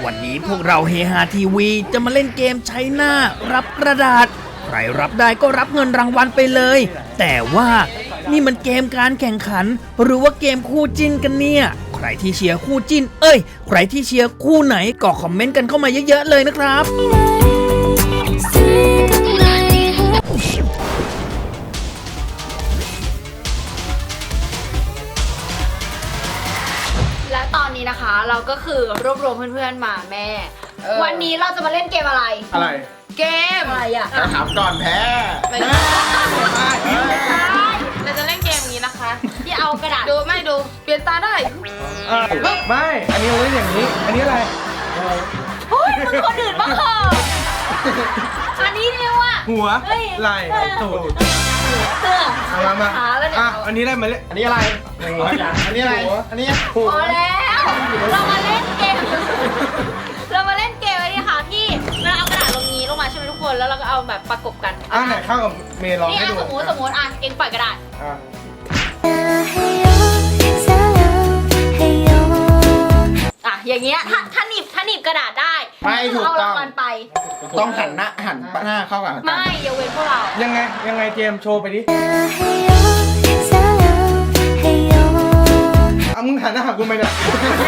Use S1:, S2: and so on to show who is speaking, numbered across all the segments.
S1: วันนี้พวกเราเฮฮาทีวีจะมาเล่นเกมใช้หน้ารับกระดาษใครรับได้ก็รับเงินรางวัลไปเลย แต่ว่านี่มันเกมการแข่งขันหรือว่าเกมคู่จิ้นกันเนี่ยใครที่เชียร์คู่จิ้นใครที่เชียร์คู่ไหนก็คอมเมนต์กันเข้ามาเยอะๆเลยนะครับ
S2: และตอนนี้นะคะเราก็คือรวบรวมเพื่อนๆมาแม่ วันนี้เราจะมาเล่นเกมอะไร
S3: อะไร
S2: เกมอะไรอ่ะ
S3: ถามก่อนแพ้
S2: ไม่ได้เราจะเล่นเกมนี้นะคะ ที่เอากระดาษดูไม่ดูเปลี่ยนตาได้
S3: ไม่ อันนี้เราเล่นอย่างนี้ อันนี้อะไร
S2: เฮ้ยมึงคนอื่นบ้างเหรออันนี้เรียกว่า
S3: หัวไหล่ตูดมาอันนี้ได้มาเล่นอันนี้อะไรหัวอันนี้อะไรอันนี้หัว
S2: พอแล้วเรามาเล่นเกมเรามาเล่นเกมอะไรค่ะที่เราเอากระดาษลงนี้ลงมาใช่ไหมทุกคนแล้วเราก็เอาแบบประกบกัน
S3: ไหนเข้ากับเมย์ลอง
S2: นี่
S3: ให้ดู
S2: สมมติเองปล่อยกระดาษอย่างเงี้ยถ้าหนีบกระดาษได้
S3: ไม่ถูก
S2: เอา
S3: ต้
S2: รา
S3: อง
S2: งวัลไป
S3: ต้องหันหน้าเข้ากับ
S2: ไม่อย่าเว้นพวกเรา
S3: ยังไงเจมโชว์ไปดิเอามึงหันหน้าหากูไหมเนี่ย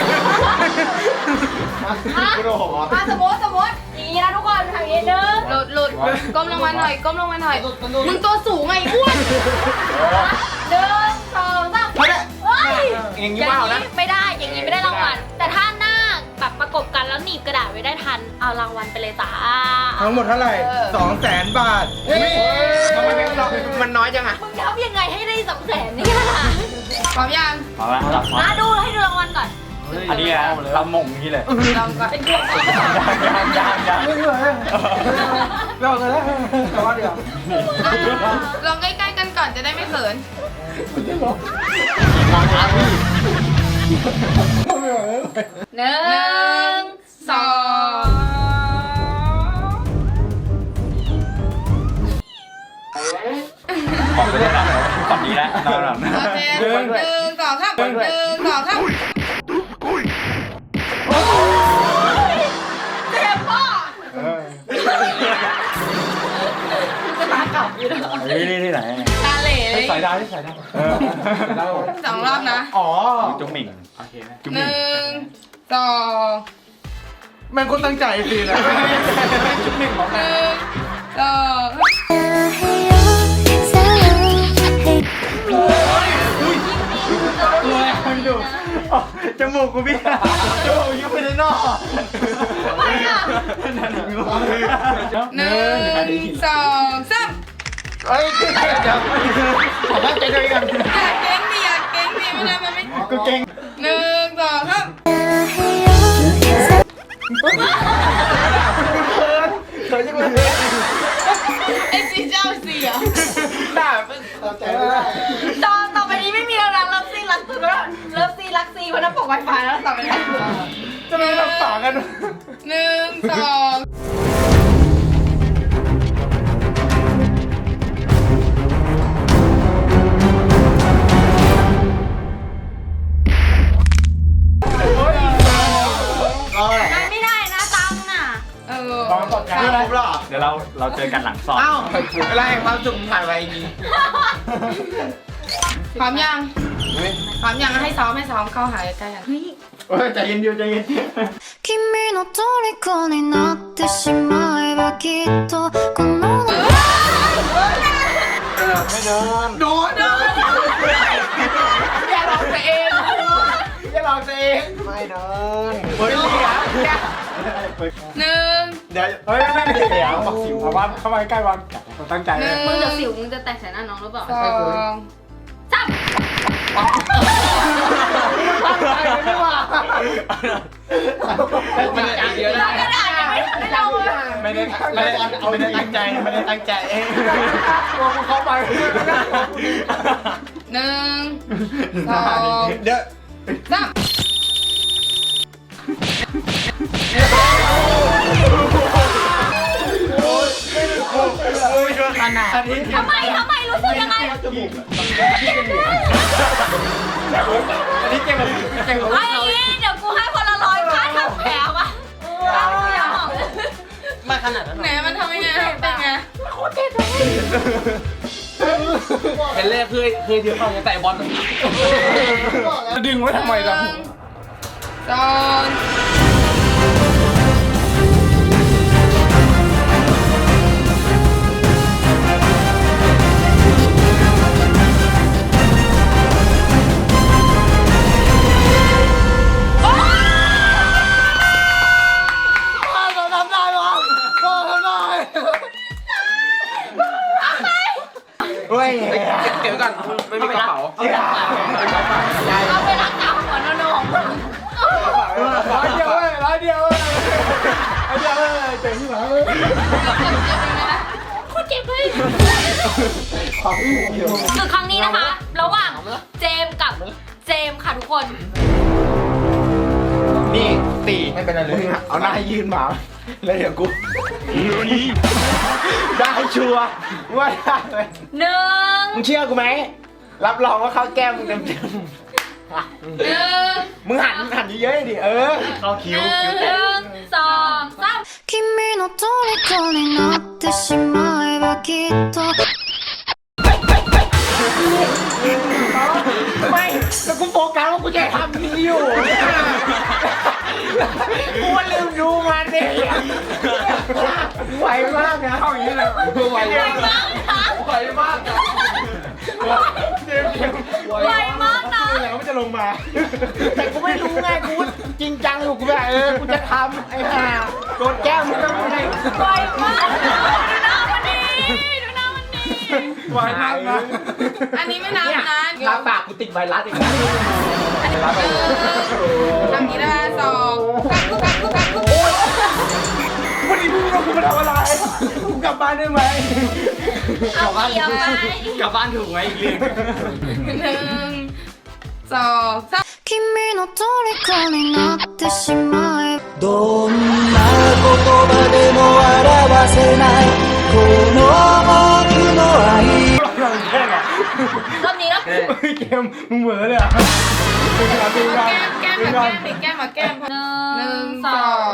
S3: กูโดน
S2: สมมติอย่างนี้นะทุกคนทำอย่างนี้นึงหลุดก้มลงมาหน่อยมึงตัวสูงไงอ้วน1 2 3
S3: อย่างนี้ว่านะ
S2: ไม่ได้อย่างนี้ไม่ได้รางวัลแต่ถ้าหน้าแบบประกบกันแล้วหนีบกระดาษไว้ได้ทันเอารางวัลไปเลยจ้า
S3: ทั้งหมดเท่าไหร่200,000 บาททำไมมันน้อยจังอ่ะ
S2: มึงทำยังไงให้ได้200,000เนี่ยพร้อมยัง
S4: พอแล้ว
S2: ดูให้ดูรางวัลก่อน
S4: อันนี้เราหม่งนี้เลย
S2: เป็นดวง
S4: ยัง
S3: ไม่เหนื่อยเรากันแล้วแต่ว่าเดี๋ยว
S5: ลองใกล้ๆกันก่อนจะได้ไม่เขิน
S4: มองช้าพี่
S5: 1
S4: บอกไปเลยนะก่อนนี้แล้วเราหลัง
S5: 2โอเค1 2 3
S2: เจ็บป่ะ
S4: นี่ไหน
S5: ตาเหล่
S4: สายดาวที่สายดาว
S5: 2 รอบนะ
S3: อ๋อ
S4: จุ๊บหมิ่งโอเคไหมจุ๊บห
S5: 1
S4: มิ่ง
S5: 2
S3: มันคนตั้งใจสินะจุดหนึ่งของ
S5: 1 2
S3: ดูจมูกกูพี่จมูกยุบไปในนอก
S2: ไม่อะ
S5: 1 2 3
S3: เฮ้ยขอบ้านใจด้วยกัน
S5: อยากเก่งดิไม่ได้มันไม่
S3: กูเก่ง
S5: 1 2 3
S3: เคยยังไง
S5: ไอ้สีเจ้าสีอ่ะ
S3: ด่าเราใจไม่ได้
S2: ต่อไปนี้ไม่มีแล้วนะเลิฟซีรักตัวแล้วเลิฟซีรักซีเพราะน้ำปกไวไฟแล้วต่อไปนี้
S3: จะไม่รับปากกัน
S5: 1 2
S2: ไม่ได้นะตังน่ะ
S3: ตอนตกใจอะไรหรอ
S4: เดี๋ยวเราเจอกันหลังสอบ
S3: เอ้าอะไรความสุขผ่านไปดี
S5: พร้อมยังให้ซ้อมเข้าหาใกล้กัน
S3: ใจเย็นใจเย็น
S6: 君の虜になってしまえばきっとこの
S3: ไม่เดินโดน
S5: อย่าร้องตัวเอง
S3: อย่าหลอกตัวเองไม่เดินเฮ้ย
S5: 1
S3: เดี๋ยวเฮ้ยไม่เดี๋ยวบอกสิวเพราะว่าเข้ามาใกล้วันตั้งใจเลย
S2: มึงจะสิวมึงจะแตกใส่หน้าน้องหรือเปล่า
S5: 2
S2: จับ
S3: ไม่ว่าไม่ได้เยอะนะ
S2: กระดาษยังไม่ทันได้เราเลย
S3: ไม่ได้ตั้งใจไม่ได้ตั้งใจเองกลัวกูเข้าไป
S5: 1 2
S3: เดี๋ยว
S5: 3
S3: ขนาดนี้
S2: ทำไมรู้สึกยังไง
S3: จมูกอันนี้เก่งแบบ
S2: ไอ้เดี๋ยวกูให้คนละ100ค่าทำแผลวะ
S3: นาดนั้น
S2: ไหนมันทำยังไงเป็นไง
S3: เป็นแรกเคยเดียวกันแต่บอลจะดึงไว้ทำไมล่ะ
S2: สอง
S3: เฮ้ยเก็บก่อนไม่มีกระเป๋า
S2: เอาไปรักษาหัวโนของมึง
S3: ร้อยเดียวเจ๋งที่หลังเลย
S2: โคตรเจ็บเลยคือครั้งนี้นะคะ ระหว่างเจมส์กับเจมส์ค่ะทุกคน
S3: นี่ตีไม่เป็นไรเลยเอาหน้ายืนหมาแล้วเดี๋ยวกูได้ชัวร์ว่าได้เลย
S2: หนึ่ง
S3: มึงเชื่อกูไหมรับรองว่าเขาแก้มมึงเต็ม
S2: หนึ่ง
S3: ๆมึงหันเยอะๆดิเข้าคิ้ว
S2: หนึ่งสองสาม
S6: 君の虜になってしまえばきっと
S3: ไม่แล้วกูโฟกัสว่ากูจะทำนี้อยู่กูลืมดูมันดิไวมากนะเข้าอย่างนี้เลยไวมากไวมากนะ
S2: ไวมากนะ
S3: แล้วมันจะลงมา แต่กูไม่รู้ไงกูจริงจังอยู่กูแบบกูจะทำไอ้ห่าโดนแก้มมึงก็ไม่ได้
S2: ไวมากดูหน้ามันดีดูหน้ามันดี
S3: ไวมากนะ
S2: อันนี้ไม่นับนะ
S3: ลาปากกูติดไวรัสอีกแล้ว
S2: ทำนี้นะคะสองกัก
S3: วันนี้มึงเรากูมาทำอะไรกูกลับบ้านได้ไหม
S2: เอาเกี่ยวไป
S3: กลับบ้านถูกไหมอีกเรื่อง
S2: หนึ่งสองสาม
S6: 君の虜になってしまえば
S7: どんな言葉でも表せないこの僕の愛
S2: รอบนี้แล้ว
S3: เกมมึงเหมือนเลยอ่ะ
S2: แก้มมาแก้มหนึ่งสอง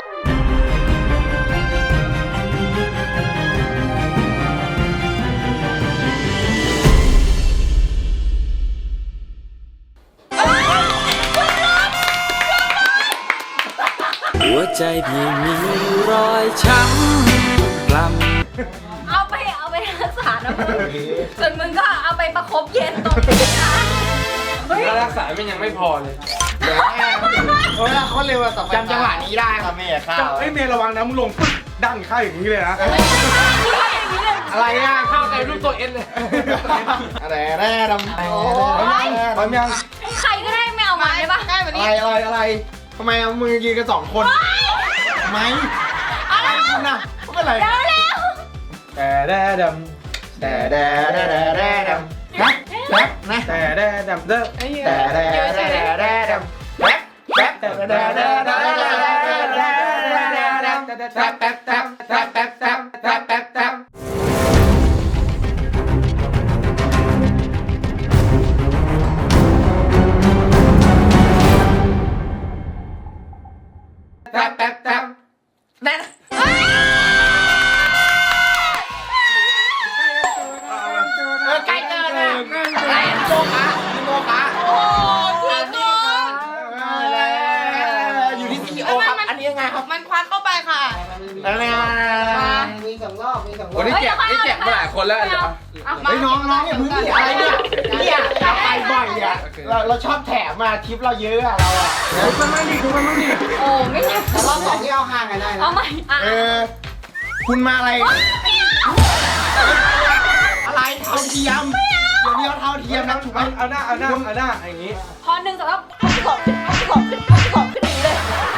S7: หัวใจพี่มีรอยช้ำกล้ำ
S2: เอาไปรักษานะมึงส่วนมึงก็เอาไปประคบเย็นตรงนี้นะเฮ้ย
S3: ถ้ารักษามันยังไม่พอเลยเขาเร็วอะจำจังหวะนี้ได้ครับเมย์ข้าวเมย์ระวังนะมึงลงปึ๊บดังข้าวอย่างนี้เลยนะ อะไรอ่ะข้าวใจรูปตัวเอ็นเลยอะไรแร่ดำพร้อมยัง
S2: ใครก็ได้ไม่เอามาได้ปะได้แบบนี้
S3: อะไรทำไมเอามือยืนกัน2 คนทำไมอะไรคุณน่ะไม่เป็นไร
S2: เร็ว
S3: แต่แร่ดำแต่แร่ดำนะแต่แร่ดำเด้อแต่แร่ดำแป๊บแต่แร่ดำแป๊บนั่นใกล้เกินอ่ะอะไรโมคะ
S2: โอ้พี่กอน
S3: อยู่ที่ซีโอครับอันนี้ยังไงครับ
S2: มันควักเข้าไปค่ะ
S3: มี2 รอบวันนี้แจกมาหลายคนแล้วเฮ้ยน้องอย่าพึ่งดิอะไรเนี่ยไปบ่อยอ่ะเราชอบแถมมาทิปเราเยอะอ่ะเราอ่ะมันไม่ดี
S2: โอ้ไม่ใช่
S3: แต่รอบ2ที่เอาห่างกันได้นะ
S2: เอาใหม่อ่ะ
S3: คุณมาอะไรเท่าเทียมเดี๋ยวนี้เอาเท่าเทียมนะถูกไหมเอาหน้าอย่างนี้
S2: พอหนึ่งสำหรับเอาที่บอกขึ้นนี้เลย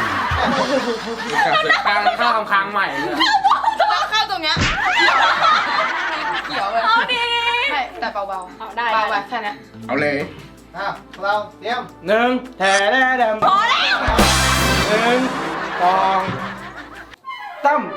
S3: ข้าวค้างใหม่
S2: เข้าตรงเนี้ยเขียวเลยเอาดีใช่แต่เบาๆได้เบาแบบแค่นี้
S3: เอาเลยเราเตรียม1แถแร่ดำ
S2: พอแล้ว
S3: 1 2 3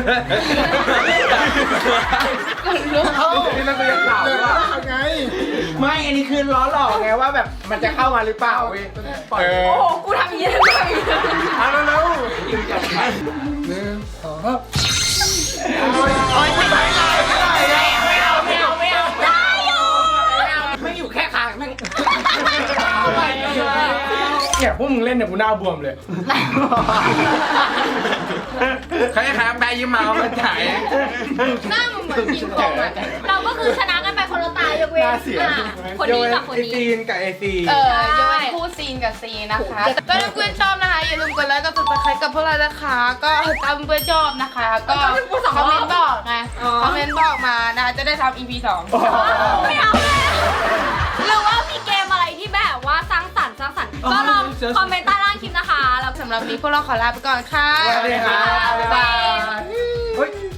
S3: นี่มันก็ยังข่าวว่าไงไม่อันนี้คือล้อหลอกไงว่าแบบมันจะเข้ามาหรือเปล่าเว้ยโอ้โห
S2: กูทำอย่างนี้เลย
S3: เอาเร็วๆไม่อยู่แค่คางแม่งเนี่ยพวกมึงเล่นเนี่ยกูหน้าบวมเลยใครแปรยิ้มมามันถ่าย
S2: หน้ามึงเหมือนกินคองอ่ะเราก็คือชนะกันไปคนละตายยกเว้นคนนี้กับคนนี้
S3: ซีนกับไอซี
S5: ยกเว้นคู่ซีนกับซีนนะคะ ก็ถ้าเพื่อนชอบนะคะอย่าลืมกดไลค์กด subscribe กับพวกเรานะคะ ก็ตามเพื่อนชอบนะคะ ก็คอมเมนต์บอกไงคอมเมนต์บอกมานะคะจะได้ทำ EP 2
S2: ไม่เอาเลยหรือว่ามีเกมอะไรที่แบบว่าสร้างสรรค์ก็ลองคอมเมนต์ใต้ล่างคลิปนะคะแล้ว
S5: สำหรับวันนี้พวกเราขอลาไปก่อนค่ะ
S3: สวัสดีครับ
S2: บ๊ายบาย
S3: เฮ้ย